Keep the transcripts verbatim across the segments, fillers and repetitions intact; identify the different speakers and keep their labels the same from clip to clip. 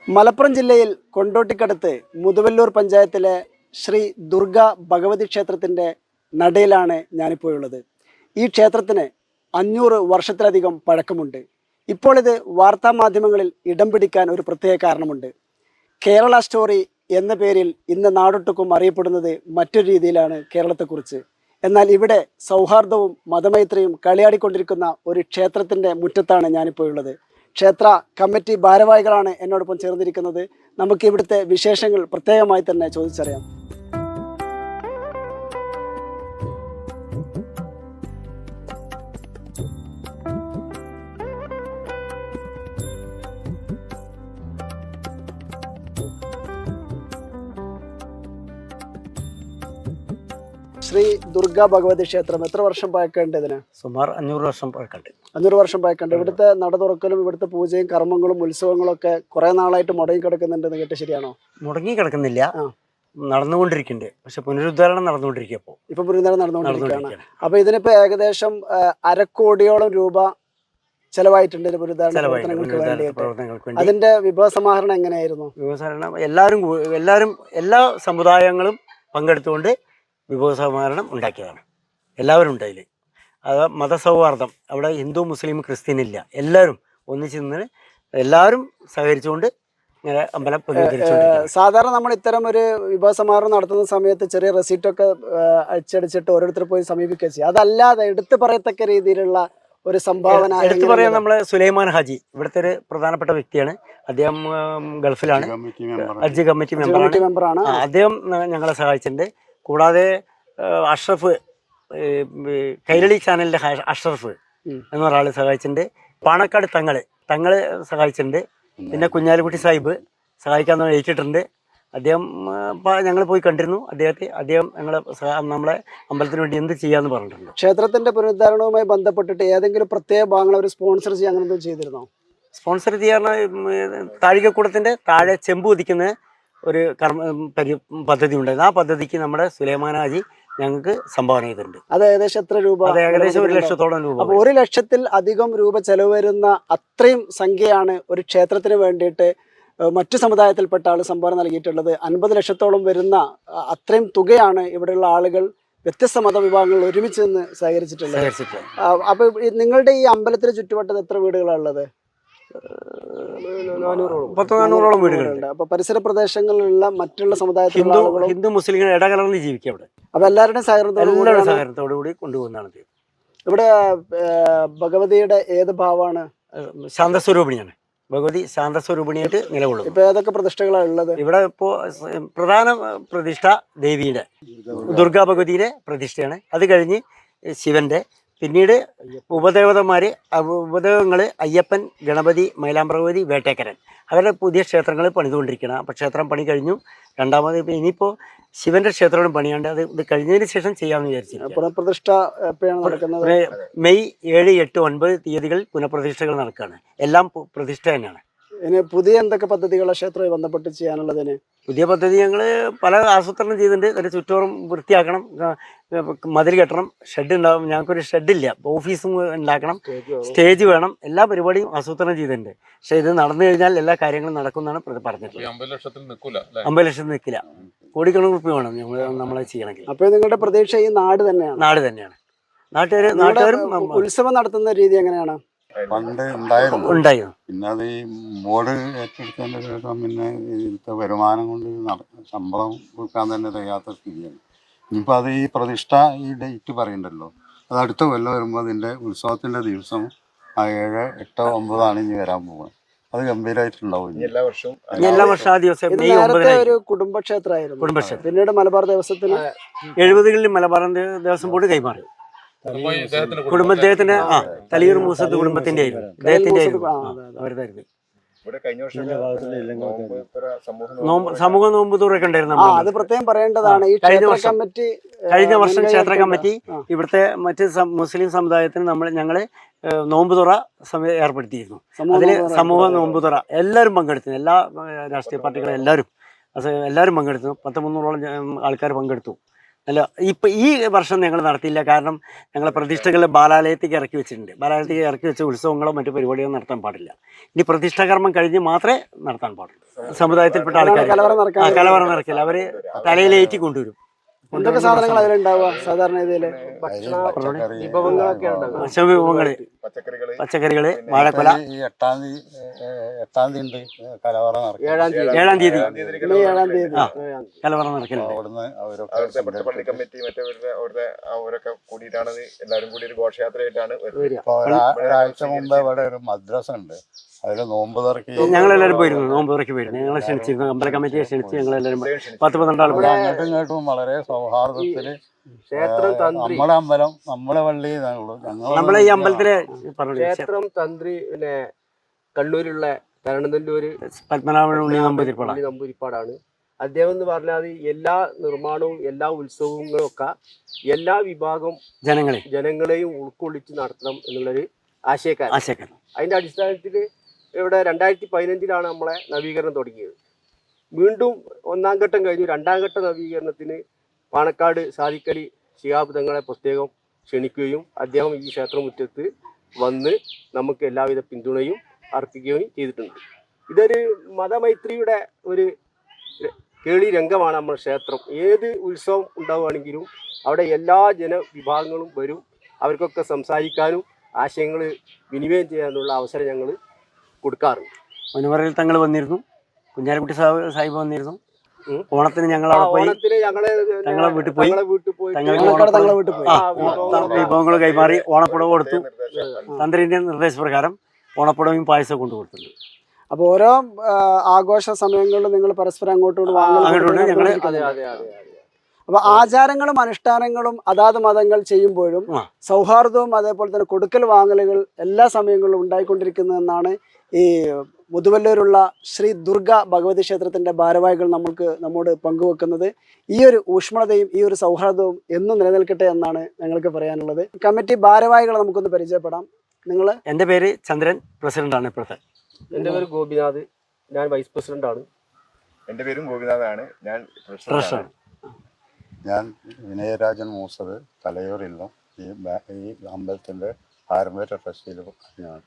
Speaker 1: മലപ്പുറം ജില്ലയിൽ കൊണ്ടോട്ടിക്കടുത്ത് മുതുവല്ലൂർ പഞ്ചായത്തിലെ ശ്രീ ദുർഗ ഭഗവതി ക്ഷേത്രത്തിൻ്റെ നടയിലാണ് ഞാനിപ്പോൾ ഉള്ളത്. ഈ ക്ഷേത്രത്തിന് അഞ്ഞൂറ് വർഷത്തിലധികം പഴക്കമുണ്ട്. ഇപ്പോൾ ഇത് വാർത്താ മാധ്യമങ്ങളിൽ ഇടം പിടിക്കാൻ ഒരു പ്രത്യേക കാരണമുണ്ട്. കേരള സ്റ്റോറി എന്ന പേരിൽ ഇന്ന് നാടൊട്ടുക്കും അറിയപ്പെടുന്നത് മറ്റൊരു രീതിയിലാണ് കേരളത്തെക്കുറിച്ച്. എന്നാൽ ഇവിടെ സൗഹാർദ്ദവും മതമൈത്രിയും കളിയാടിക്കൊണ്ടിരിക്കുന്ന ഒരു ക്ഷേത്രത്തിൻ്റെ മുറ്റത്താണ് ഞാനിപ്പോൾ ഉള്ളത്. ക്ഷേത്ര കമ്മിറ്റി ഭാരവാഹികളാണ് എന്നോടൊപ്പം ചേർന്നിരിക്കുന്നത്. നമുക്ക് ഇവിടുത്തെ വിശേഷങ്ങൾ പ്രത്യേകമായി തന്നെ ചോദിച്ചറിയാം. ശ്രീ ദുർഗ ഭഗവതി ക്ഷേത്രം എത്ര വർഷം പഴക്കമുണ്ട്? ഇതിന്
Speaker 2: സുമാർ അഞ്ഞൂറ് വർഷം പഴക്കമുണ്ട്.
Speaker 1: അഞ്ഞൂറ് വർഷം പഴക്കമുണ്ട്. ഇവിടുത്തെ നട തുറക്കലും ഇവിടുത്തെ പൂജയും കർമ്മങ്ങളും ഉത്സവങ്ങളും ഒക്കെ കുറെ നാളായിട്ട് മുടങ്ങി കിടക്കുന്നുണ്ടെന്ന് കേട്ട് ശരിയാണോ?
Speaker 2: മുടങ്ങി കിടക്കുന്നില്ല, നടന്നുകൊണ്ടിരിക്കുന്നുണ്ട്. പക്ഷെ പുനരുദ്ധാരണം നടന്നുകൊണ്ടിരിക്കുക. ഇപ്പോൾ
Speaker 1: ഇപ്പൊ പുനരുദ്ധാരണം നടന്നുകൊണ്ടിരിക്കുകയാണ്. അപ്പൊ ഇതിനിപ്പോ ഏകദേശം അരക്കോടിയോളം രൂപ ചെലവായിട്ടുണ്ട് പുനരുദ്ധാരണങ്ങൾക്ക് വേണ്ടിയിട്ട്. അതിന്റെ വിഭവ സമാഹരണം എങ്ങനെയായിരുന്നു?
Speaker 2: വിഭവസമാഹരണം എല്ലാവരും എല്ലാവരും എല്ലാ സമുദായങ്ങളും പങ്കെടുത്തുകൊണ്ട് വിഭവ സമാഹരണം ഉണ്ടാക്കിയതാണ്. എല്ലാവരും ഉണ്ട് അതിൽ. അത് മതസൗഹാർദ്ദം, അവിടെ ഹിന്ദു മുസ്ലിം ക്രിസ്ത്യൻ ഇല്ല, എല്ലാവരും ഒന്നിച്ച് നിന്ന് എല്ലാവരും സഹകരിച്ചുകൊണ്ട് ഇങ്ങനെ അമ്പലം പുനരുദ്ധരിച്ചുകൊണ്ടിരിക്കുകയാണ്.
Speaker 1: സാധാരണ നമ്മൾ ഇത്തരം ഒരു വിഭവ സമാഹരണം നടത്തുന്ന സമയത്ത് ചെറിയ റെസീറ്റൊക്കെ അടിച്ചടിച്ചിട്ട് ഓരോരുത്തർ പോയി സമീപിക്കുക ചെയ്യും. അതല്ലാതെ എടുത്തു പറയത്തക്ക രീതിയിലുള്ള ഒരു സംഭാവന
Speaker 2: എടുത്തു പറയാൻ നമ്മളെ സുലൈമാൻ ഹാജി ഇവിടുത്തെ ഒരു പ്രധാനപ്പെട്ട വ്യക്തിയാണ്. അദ്ദേഹം ഗൾഫിലാണ്, ഹജ്ജ് കമ്മിറ്റി മെമ്പറാണ്. അദ്ദേഹം ഞങ്ങളെ സഹായിച്ചിട്ടുണ്ട്. കൂടാതെ അഷ്റഫ്, കൈരളി ചാനലിൻ്റെ അഷ്റഫ് എന്നൊരാൾ സഹായിച്ചിട്ടുണ്ട്. പാണക്കാട് തങ്ങള് തങ്ങള് സഹായിച്ചിട്ടുണ്ട്. പിന്നെ കുഞ്ഞാലിക്കുട്ടി സാഹിബ് സഹായിക്കാൻ ഏറ്റിട്ടുണ്ട്. അദ്ദേഹം ഞങ്ങൾ പോയി കണ്ടിരുന്നു അദ്ദേഹത്തെ. അദ്ദേഹം ഞങ്ങളെ നമ്മളെ അമ്പലത്തിന് വേണ്ടി എന്ത് ചെയ്യാന്ന് പറഞ്ഞിട്ടുണ്ട്.
Speaker 1: ക്ഷേത്രത്തിന്റെ പുനരുദ്ധാരണവുമായി ബന്ധപ്പെട്ടിട്ട് ഏതെങ്കിലും പ്രത്യേക ഭാഗങ്ങൾ അവർ സ്പോൺസർ ചെയ്യാൻ അങ്ങനെ എന്തും ചെയ്തിരുന്നോ?
Speaker 2: സ്പോൺസർ ചെയ്യാൻ താഴികക്കൂടത്തിന്റെ താഴെ ചെമ്പ് ഉദിക്കുന്ന ഒരു കർമ്മ പരി പദ്ധതി ഉണ്ടായിരുന്നു. ആ പദ്ധതിക്ക് നമ്മുടെ സുലൈമാൻ ഹാജി ഞങ്ങൾക്ക് സംഭാവന ചെയ്തിട്ടുണ്ട്.
Speaker 1: അത് ഏകദേശം എത്ര രൂപ?
Speaker 2: അത് ഏകദേശം ഒരു ലക്ഷത്തോളം രൂപ.
Speaker 1: അപ്പോൾ ഒരു ലക്ഷത്തിൽ അധികം രൂപ ചെലവ് വരുന്ന അത്രയും സംഖ്യയാണ് ഒരു ക്ഷേത്രത്തിന് വേണ്ടിയിട്ട് മറ്റു സമുദായത്തിൽപ്പെട്ട ആൾ സംഭാവന നൽകിയിട്ടുള്ളത്. അൻപത് ലക്ഷത്തോളം വരുന്ന അത്രയും തുകയാണ് ഇവിടെയുള്ള ആളുകൾ വ്യത്യസ്ത മതവിഭാഗങ്ങൾ ഒരുമിച്ച് നിന്ന് സഹകരിച്ചിട്ടുള്ളത്. അപ്പൊ നിങ്ങളുടെ ഈ അമ്പലത്തിന് ചുറ്റുവട്ടത്ത് എത്ര വീടുകളാണ് ഉള്ളത്?
Speaker 2: പത്തോളം വീടുകളുണ്ട്.
Speaker 1: അപ്പൊ പരിസര പ്രദേശങ്ങളിലുള്ള മറ്റുള്ള സമുദായത്തിലുള്ള
Speaker 2: ഹിന്ദു മുസ്ലിങ്ങൾ ഇടകലർന്ന് ജീവിക്കുക അവിടെ.
Speaker 1: അപ്പൊ എല്ലാവരുടെയും സഹകരണത്തോടു
Speaker 2: സഹകരണത്തോടു കൂടി കൊണ്ടുപോകുന്നതാണ്.
Speaker 1: ഇവിടെ ഭഗവതിയുടെ ഏത് ഭാവമാണ്?
Speaker 2: ശാന്തസ്വരൂപിണിയാണ്. ഭഗവതി ശാന്തസ്വരൂപിണിയായിട്ട് നിലകൊള്ളും.
Speaker 1: ഇപ്പൊ ഏതൊക്കെ പ്രതിഷ്ഠകളാണ് ഉള്ളത്
Speaker 2: ഇവിടെ? ഇപ്പോ പ്രധാന പ്രതിഷ്ഠ ദേവിയുടെ ദുർഗാ ഭഗവതിയുടെ പ്രതിഷ്ഠയാണ്. അത് കഴിഞ്ഞ് ശിവന്റെ, പിന്നീട് ഉപദേവതന്മാര് ഉപദേവങ്ങൾ അയ്യപ്പൻ, ഗണപതി, മൈലാമ്പ്രഭഗവതി, വേട്ടേക്കരൻ, അവരുടെ പുതിയ ക്ഷേത്രങ്ങൾ പണിതുകൊണ്ടിരിക്കണം. അപ്പോൾ ക്ഷേത്രം പണി കഴിഞ്ഞു. രണ്ടാമത് ഇനിയിപ്പോൾ ശിവന്റെ ക്ഷേത്രങ്ങളും പണിയാണ്ട്. അത് ഇത് കഴിഞ്ഞതിന് ശേഷം ചെയ്യാമെന്ന് വിചാരിച്ചു.
Speaker 1: പുനഃപ്രതിഷ്ഠ എപ്പോഴാണ് നടക്കുന്നത്?
Speaker 2: മെയ് ഏഴ്, എട്ട്, ഒൻപത് തീയതികൾ പുനഃപ്രതിഷ്ഠകൾ നടക്കുകയാണ്. എല്ലാം പ്രതിഷ്ഠ തന്നെയാണ്.
Speaker 1: ഇനി പുതിയ എന്തൊക്കെ പദ്ധതികളാണ് ക്ഷേത്രവുമായി ബന്ധപ്പെട്ട് ചെയ്യാനുള്ളതിന്?
Speaker 2: പുതിയ പദ്ധതി ഞങ്ങൾ പല ആസൂത്രണം ചെയ്തിട്ടുണ്ട്. ഒരു ചുറ്റോറും വൃത്തിയാക്കണം, മതിൽ കെട്ടണം, ഷെഡ് ഉണ്ടാവും. ഞങ്ങൾക്കൊരു ഷെഡില്ല, ഓഫീസും ഉണ്ടാക്കണം, സ്റ്റേജ് വേണം. എല്ലാ പരിപാടിയും ആസൂത്രണം ചെയ്തിട്ടുണ്ട്. പക്ഷെ ഇത് നടന്നു കഴിഞ്ഞാൽ എല്ലാ കാര്യങ്ങളും നടക്കുമെന്നാണ് പറഞ്ഞിട്ടുള്ളത്. അമ്പത് ലക്ഷത്തിൽ നിൽക്കില്ല, കോടിക്കണക്കിന് റുപ്യ വേണം നമ്മൾ നമ്മളെ ചെയ്യണമെങ്കിൽ.
Speaker 1: അപ്പോൾ നിങ്ങളുടെ പ്രതീക്ഷ ഈ നാട് തന്നെയാണ്?
Speaker 2: നാട് തന്നെയാണ്. നാട്ടുകാർ നാട്ടുകാരും
Speaker 1: ഉത്സവം നടത്തുന്ന രീതി എങ്ങനെയാണ്?
Speaker 3: പണ്ട് ഉണ്ടായിരുന്നു
Speaker 2: ഉണ്ടായിരുന്നു
Speaker 3: പിന്നെ അത് ഈ ബോർഡ് ഏറ്റെടുത്തതിന് ശേഷം പിന്നെ ഇതിലത്തെ വരുമാനം കൊണ്ട് ശമ്പളം കൊടുക്കാൻ തന്നെ കഴിയാത്ത സ്ഥിതിയാണ്. ഇനിയിപ്പോൾ അത് ഈ പ്രതിഷ്ഠ ഈ ഡേറ്റ് പറയണ്ടല്ലോ, അത് അടുത്ത കൊല്ലം വരുമ്പോൾ അതിൻ്റെ ഉത്സവത്തിൻ്റെ ദിവസം ആ ഏഴ് എട്ടോ ഒമ്പതാണ് ഇനി വരാൻ പോകുന്നത്. അത് ഗംഭീരമായിട്ടുണ്ടാവും എല്ലാ വർഷവും.
Speaker 2: എല്ലാ വർഷം ആ ദിവസം
Speaker 1: നേരത്തെ ഒരു കുടുംബക്ഷേത്രമായിരുന്നു.
Speaker 2: കുടുംബക്ഷേത്രം
Speaker 1: പിന്നീട് മലബാർ ദേവസ്വത്തിന്
Speaker 2: എഴുപതുകളിൽ മലബാർ ദേവസ്വം ബോർഡ് കൈമാറി. കുടുംബദ്ദേഹത്തിന്റെ ആ തലിയൂർ മൂസത്ത് കുടുംബത്തിന്റെ അദ്ദേഹത്തിന്റെ അവരുതായിരുന്നു. സമൂഹ നോമ്പ് തുറയൊക്കെ ഉണ്ടായിരുന്നു.
Speaker 1: അത് പ്രത്യേകം പറയേണ്ടതാണ്. ഈ
Speaker 2: കഴിഞ്ഞ വർഷം
Speaker 1: കമ്മിറ്റി
Speaker 2: കഴിഞ്ഞ വർഷം ക്ഷേത്ര കമ്മിറ്റി ഇവിടുത്തെ മറ്റ് മുസ്ലിം സമുദായത്തിന് നമ്മൾ ഞങ്ങള് നോമ്പ് തുറ സമയം ഏർപ്പെടുത്തിയിരുന്നു. അതില് സമൂഹ നോമ്പ് തുറ എല്ലാവരും പങ്കെടുത്തു. എല്ലാ രാഷ്ട്രീയ പാർട്ടികളും എല്ലാവരും എല്ലാവരും പങ്കെടുത്തു. പത്ത് മുന്നൂറോളം ആൾക്കാർ പങ്കെടുത്തു. അല്ല ഇപ്പം ഈ വർഷം ഞങ്ങൾ നടത്തിയില്ല. കാരണം ഞങ്ങളെ പ്രതിഷ്ഠകൾ ബാലാലയത്തേക്ക് ഇറക്കി വെച്ചിട്ടുണ്ട്. ബാലാലയത്തേക്ക് ഇറക്കി വെച്ച ഉത്സവങ്ങളോ മറ്റു പരിപാടികളോ നടത്താൻ പാടില്ല. ഇനി പ്രതിഷ്ഠാകർമ്മം കഴിഞ്ഞ് മാത്രമേ നടത്താൻ പാടുള്ളൂ. സമുദായത്തിൽപ്പെട്ട ആൾക്കാർ
Speaker 1: കലവറ നടക്കാൻ
Speaker 2: ആ കലവറ നിറക്കില്ല, അവർ തലയിലേറ്റി കൊണ്ടുവരും.
Speaker 1: എന്തൊക്കെ സാധനങ്ങൾ അതിലുണ്ടാവുക സാധാരണ ഇതില്?
Speaker 3: വിഭവങ്ങളൊക്കെ
Speaker 2: വിഭവങ്ങള്, പച്ചക്കറികള്, വാഴക്കൊല.
Speaker 3: ഈ എട്ടാം തീയതി എട്ടാം തീയതി ഉണ്ട് കലവറ നടക്കും.
Speaker 2: ഏഴാം തീയതി
Speaker 1: മെയ് ഏഴാം തീയതി
Speaker 2: ആ കലവറ നിറക്കലുണ്ട്.
Speaker 3: അവിടുന്ന് അവരൊക്കെ
Speaker 4: അവിടുത്തെ മറ്റേ പള്ളി കമ്മിറ്റി മറ്റവരുടെ അവിടുത്തെ അവരൊക്കെ കൂടിയിട്ടാണ് എല്ലാവരും കൂടി ഒരു ഘോഷയാത്രയായിട്ടാണ് വരുന്നത്.
Speaker 3: ഇപ്പൊ ഒരാ- ഒരാഴ്ച മുമ്പ് ഇവിടെ ഒരു മദ്രസ ഉണ്ട്, അതില് നോമ്പ് തുറക്കി
Speaker 2: ഞങ്ങളെല്ലാവരും പോയിരുന്നു, നോമ്പ് തുറക്കി പോയിരുന്നു. ഞങ്ങളെ ക്ഷണിച്ചിരുന്നു, അമ്പല കമ്മിറ്റിയെ ക്ഷണിച്ച് ഞങ്ങളെല്ലാവരും പത്ത് പന്ത്രണ്ടാൾ പോയി.
Speaker 3: അങ്ങോട്ടും ഇങ്ങോട്ടും വളരെ സൗഹാർദ്ദത്തില്
Speaker 5: ക്ഷേത്രം തന്ത്രി
Speaker 3: നമ്മുടെ അമ്പലം നമ്മളെ പള്ളി
Speaker 2: നമ്മളെ ഈ അമ്പലത്തിലെ പറഞ്ഞു
Speaker 5: ക്ഷേത്രം തന്ത്രി പിന്നെ കണ്ണൂരുള്ള തരണനെല്ലൂര്
Speaker 2: പത്മനാഭൻ ഉണ്ണി നമ്പൂതിരിപ്പാട
Speaker 5: ഉണ്ണി നമ്പൂതിരിപ്പാടാണ്. അദ്ദേഹം എന്ന് പറഞ്ഞാൽ എല്ലാ നിർമ്മാണവും എല്ലാ ഉത്സവങ്ങളും ഒക്കെ എല്ലാ വിഭാഗം
Speaker 2: ജനങ്ങളെ
Speaker 5: ജനങ്ങളെയും ഉൾക്കൊള്ളിച്ച് നടത്തണം എന്നുള്ളൊരു ആശയക്കാരൻ.
Speaker 2: ആശയക്കാരൻ.
Speaker 5: അതിന്റെ അടിസ്ഥാനത്തിൽ ഇവിടെ രണ്ടായിരത്തി പതിനഞ്ചിലാണ് നമ്മളെ നവീകരണം തുടങ്ങിയത്. വീണ്ടും ഒന്നാം ഘട്ടം കഴിഞ്ഞു. രണ്ടാം ഘട്ട നവീകരണത്തിന് പാണക്കാട് സാദിഖലി ശിഹാബ് തങ്ങളെ പ്രത്യേകം ക്ഷണിക്കുകയും അദ്ദേഹം ഈ ക്ഷേത്രമുറ്റത്ത് വന്ന് നമുക്ക് എല്ലാവിധ പിന്തുണയും അർപ്പിക്കുകയും ചെയ്തിട്ടുണ്ട്. ഇതൊരു മതമൈത്രിയുടെ ഒരു കേളി രംഗമാണ് നമ്മുടെ ക്ഷേത്രം. ഏത് ഉത്സവം ഉണ്ടാവുകയാണെങ്കിലും അവിടെ എല്ലാ ജനവിഭാഗങ്ങളും വരും. അവർക്കൊക്കെ സംസാരിക്കാനും ആശയങ്ങൾ വിനിമയം ചെയ്യാനുള്ള അവസരം ഞങ്ങൾ കൊടുക്കാറുണ്ട്.
Speaker 2: മുനവറിൽ തങ്ങൾ വന്നിരുന്നു, കുഞ്ഞാലിക്കുട്ടി സാഹിബ് സാഹിബ് വന്നിരുന്നു. ഓണത്തിന് ഞങ്ങൾ അവിടെ പോയി
Speaker 5: ഓണത്തിന് ഞങ്ങളെ
Speaker 2: ഞങ്ങളെ വീട്ടിൽ പോയി
Speaker 5: ഞങ്ങളെ വീട്ടിൽ പോയി
Speaker 1: തങ്ങളെ വീട്ടിൽ പോയി
Speaker 2: വിഭവങ്ങൾ കൈമാറി ഓണപ്പുടവ് കൊടുത്തു. തന്ത്രിന്റെ നിർദ്ദേശപ്രകാരം ഓണപ്പുടവും പായസം കൊണ്ടു കൊടുത്തിട്ടുണ്ട്.
Speaker 1: അപ്പൊ ഓരോ ആ, ആഘോഷ സമയങ്ങളിലും നിങ്ങൾ പരസ്പരം അങ്ങോട്ടും ഇങ്ങോട്ടും
Speaker 2: അങ്ങോട്ടും
Speaker 1: വാങ്ങൽ
Speaker 2: ഞങ്ങള്
Speaker 5: അതെ അതെ അതെ അതെ
Speaker 1: അപ്പൊ ആചാരങ്ങളും അനുഷ്ഠാനങ്ങളും അതാത് മതങ്ങൾ ചെയ്യുമ്പോഴും
Speaker 2: ആ.
Speaker 1: സൗഹാർദ്ദവും അതേപോലെ തന്നെ കൊടുക്കൽ വാങ്ങലുകൾ എല്ലാ സമയങ്ങളിലും ഉണ്ടായിക്കൊണ്ടിരിക്കുന്നതെന്നാണ് ഈ മുതുവല്ലൂരുള്ള ശ്രീ ദുർഗ ഭഗവതി ക്ഷേത്രത്തിന്റെ ഭാരവാഹികൾ നമ്മൾക്ക് നമ്മോട് പങ്കുവെക്കുന്നത്. ഈ ഒരു ഊഷ്മളതയും ഈ ഒരു സൗഹാർദ്ദവും എന്നും നിലനിൽക്കട്ടെ എന്നാണ് ഞങ്ങൾക്ക് പറയാനുള്ളത്. കമ്മിറ്റി ഭാരവാഹികളെ നമുക്കൊന്ന് പരിചയപ്പെടാം. നിങ്ങൾ?
Speaker 2: എൻ്റെ പേര് ചന്ദ്രൻ, പ്രസിഡന്റാണ് ഇപ്പോഴത്തെ.
Speaker 5: എൻ്റെ പേര് ഗോപിനാഥ്, ഞാൻ വൈസ് പ്രസിഡന്റാണ്.
Speaker 4: എന്റെ പേരും ഗോപിനാഥാണ്, ഞാൻ
Speaker 2: ട്രഷറാണ്.
Speaker 3: ഞാൻ വിനയരാജൻ മൂസത്, തലയൂരില്ല ഈ ബാ- ഈ അമ്പലത്തിന്റെ പാരമ്പര്യ ട്രസ്റ്റിയിൽ ഞാൻ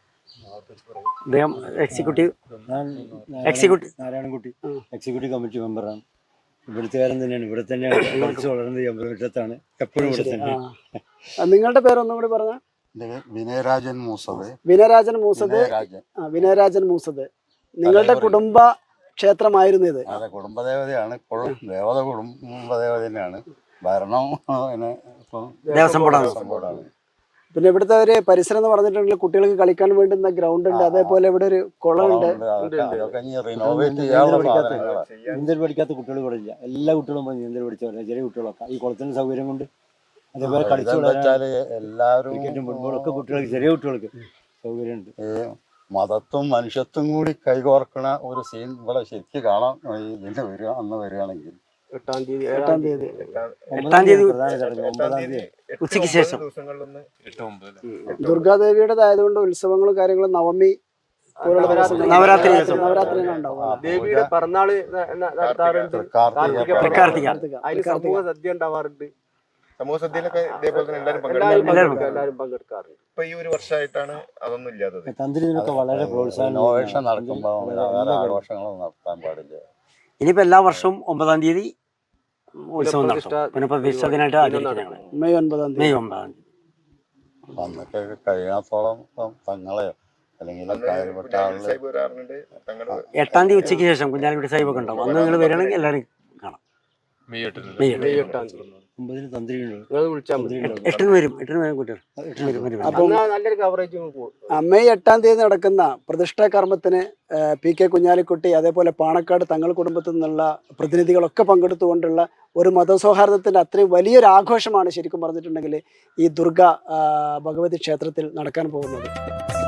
Speaker 2: അദ്ദേഹം executive executive
Speaker 6: Narayanankutty executive committee മെമ്പറാണ്. ഇവിടുത്തുകാരൻ തന്നെയാണ്, ഇവിടെ തന്നെയാണ് പഠിച്ചു വളർന്നത്. ഈ അമ്പലമുറ്റത്താണ്, എപ്പോഴും ഇവിടെ തന്നെ.
Speaker 1: ആ, നിങ്ങളുടെ പേരൊന്നും കൂടി പറഞ്ഞ?
Speaker 3: എൻ്റെ വിനയരാജൻ മൂസത്.
Speaker 1: വിനയരാജൻ മൂസത്.
Speaker 3: വിനയരാജൻ
Speaker 1: ആ, വിനയരാജൻ മൂസത്. നിങ്ങളുടെ കുടുംബ ക്ഷേത്രമായിരുന്നു ഇത്?
Speaker 3: അതെ, കുടുംബദേവതയാണ്. ഇപ്പോഴും ദേവത കുടുംബദേവത തന്നെയാണ്. ഭരണം പിന്നെ ഇപ്പം
Speaker 2: ദേവസ്വം ബോർഡാണ്.
Speaker 3: ദേവസ്വം ബോർഡാണ്.
Speaker 1: പിന്നെ ഇവിടുത്തെ ഒരു പരിസരം എന്ന് പറഞ്ഞിട്ടുണ്ടെങ്കിൽ കുട്ടികൾക്ക് കളിക്കാൻ വേണ്ടുന്ന ഗ്രൗണ്ട് ഉണ്ട്, അതേപോലെ ഇവിടെ ഒരു കുളമുണ്ട്.
Speaker 3: അതൊക്കെ അതൊക്കെ ഇനി റിനോവേറ്റ് ചെയ്യാനുള്ള സാധനങ്ങളാണ്.
Speaker 6: നീന്തൽ പഠിക്കാത്ത കുട്ടികൾ ഇവിടെ ഇല്ല. എല്ലാ കുട്ടികളും പോയി നീന്തൽ പഠിച്ചവരെ, ചെറിയ കുട്ടികളൊക്കെ ഈ കുളത്തിന്റെ സൗകര്യം കൊണ്ട്. അതേപോലെ കളിച്ചു
Speaker 3: ഇതെന്താ വെച്ചാല് എല്ലാവരും
Speaker 6: ക്രിക്കറ്റും ഫുട്ബോളൊക്കെ കുട്ടികൾക്ക്, ചെറിയ കുട്ടികൾക്ക് സൗകര്യമുണ്ട്.
Speaker 3: ഈ മതത്വം മനുഷ്യത്വം കൂടി കൈകോർക്കണ ഒരു സീൻ ഇവിടെ ശരിക്കും കാണാം. ഈ ഇതിന് വരിക അന്ന് വരികയാണെങ്കിൽ
Speaker 5: എട്ടാം തീയതി
Speaker 1: എട്ടാം തീയതി
Speaker 2: എട്ടാം തീയതി
Speaker 6: പ്രധാന ചടങ്ങ് ഒമ്പതാം തീയതി
Speaker 2: ഉച്ചയ്ക്ക് ശേഷം.
Speaker 4: ദിവസങ്ങളിലൊന്ന് എട്ട് ഒമ്പത്
Speaker 1: ദുർഗാദേവിയുടെ ആയതുകൊണ്ട് ഉത്സവങ്ങളും കാര്യങ്ങളും നവമി പോലുള്ള ദിവസങ്ങളിൽ
Speaker 2: നവരാത്രി ദിവസം.
Speaker 1: നവരാത്രിയാണ് ഉണ്ടാവുക.
Speaker 5: ദേവിയുടെ പിറന്നാള് ന- ന- നടത്താറുണ്ട്.
Speaker 3: കാർത്തിക
Speaker 5: കാർത്തിക
Speaker 2: കാർത്തിക.
Speaker 5: അതിന് സമൂഹ സദ്യ ഉണ്ടാവാറുണ്ട്.
Speaker 4: സമൂഹ സദ്യയിലൊക്കെ ഇതേപോലെ തന്നെ എല്ലാവരും
Speaker 5: എല്ലാവരും
Speaker 4: പങ്കെടുക്കും.
Speaker 5: പങ്കെടുക്കും, എല്ലാവരും പങ്കെടുക്കാറുണ്ട്.
Speaker 4: ഇപ്പൊ ഈ ഒരു വർഷമായിട്ടാണ് അതൊന്നും ഇല്ലാത്തത്.
Speaker 6: തന്ത്രി ഇതിനൊക്കെ വളരെ പ്രോത്സാഹനം
Speaker 3: റിനോവേഷൻ നടക്കുമ്പോൾ വേറെ ആഘോഷങ്ങളൊന്നും നടത്താൻ പാടില്ല.
Speaker 2: ഇനിയിപ്പോൾ എല്ലാ വർഷവും ഒമ്പതാം തീയതി ഉത്സവം നടത്തും. പുനഃപ്രതിഷ്ഠ ദിനമായിട്ട് ആചരിക്കും ഞങ്ങൾ
Speaker 1: മെയ് ഒൻപതാം തീയതി.
Speaker 2: മെയ് ഒമ്പതാം തീയതി.
Speaker 3: അന്നൊക്കെ കഴിയാത്തോളം ഇപ്പം തങ്ങളെയോ അല്ലെങ്കിൽ കാര്യപ്പെട്ട ആളുകൾ
Speaker 4: സാഹിബ് വരാറുണ്ട്. തങ്ങളുടെ
Speaker 2: എട്ടാം തീയതി ഉച്ചയ്ക്ക് ശേഷം കുഞ്ഞാലിക്കുട്ടി സാഹിബ് ഒക്കെ ഉണ്ടാവും. അന്ന് നിങ്ങൾ വരികയാണെങ്കിൽ എല്ലാവരും കാണാം. മെയ് എട്ട്.
Speaker 5: മെയ് എട്ടാം തീയതി
Speaker 6: ഒമ്പതിന് തന്ത്രിയുണ്ട്.
Speaker 5: നിങ്ങൾ വിളിച്ചാൽ മതി.
Speaker 2: എട്ടിന് വരും, എട്ടിന് വരും കുട്ടികൾ. എട്ടിന് വരും, വരും.
Speaker 5: എന്നാ നല്ലൊരു കവറേജ് പോകും.
Speaker 1: ആ, മെയ് എട്ടാം തീയതി നടക്കുന്ന പ്രതിഷ്ഠാ കർമ്മത്തിന് ആ, പി കെ കുഞ്ഞാലിക്കുട്ടി അതേപോലെ പാണക്കാട് തങ്ങൾ കുടുംബത്തിൽ നിന്നുള്ള പ്രതിനിധികളൊക്കെ പങ്കെടുത്തുകൊണ്ടുള്ള ഒരു മതസൗഹാർദ്ദത്തിൻ്റെ അത്രയും വലിയൊരു ആഘോഷമാണ് ശരിക്കും പറഞ്ഞിട്ടുണ്ടെങ്കിൽ ഈ ദുർഗ ആ, ഭഗവതി ക്ഷേത്രത്തിൽ നടക്കാൻ പോകുന്നത്.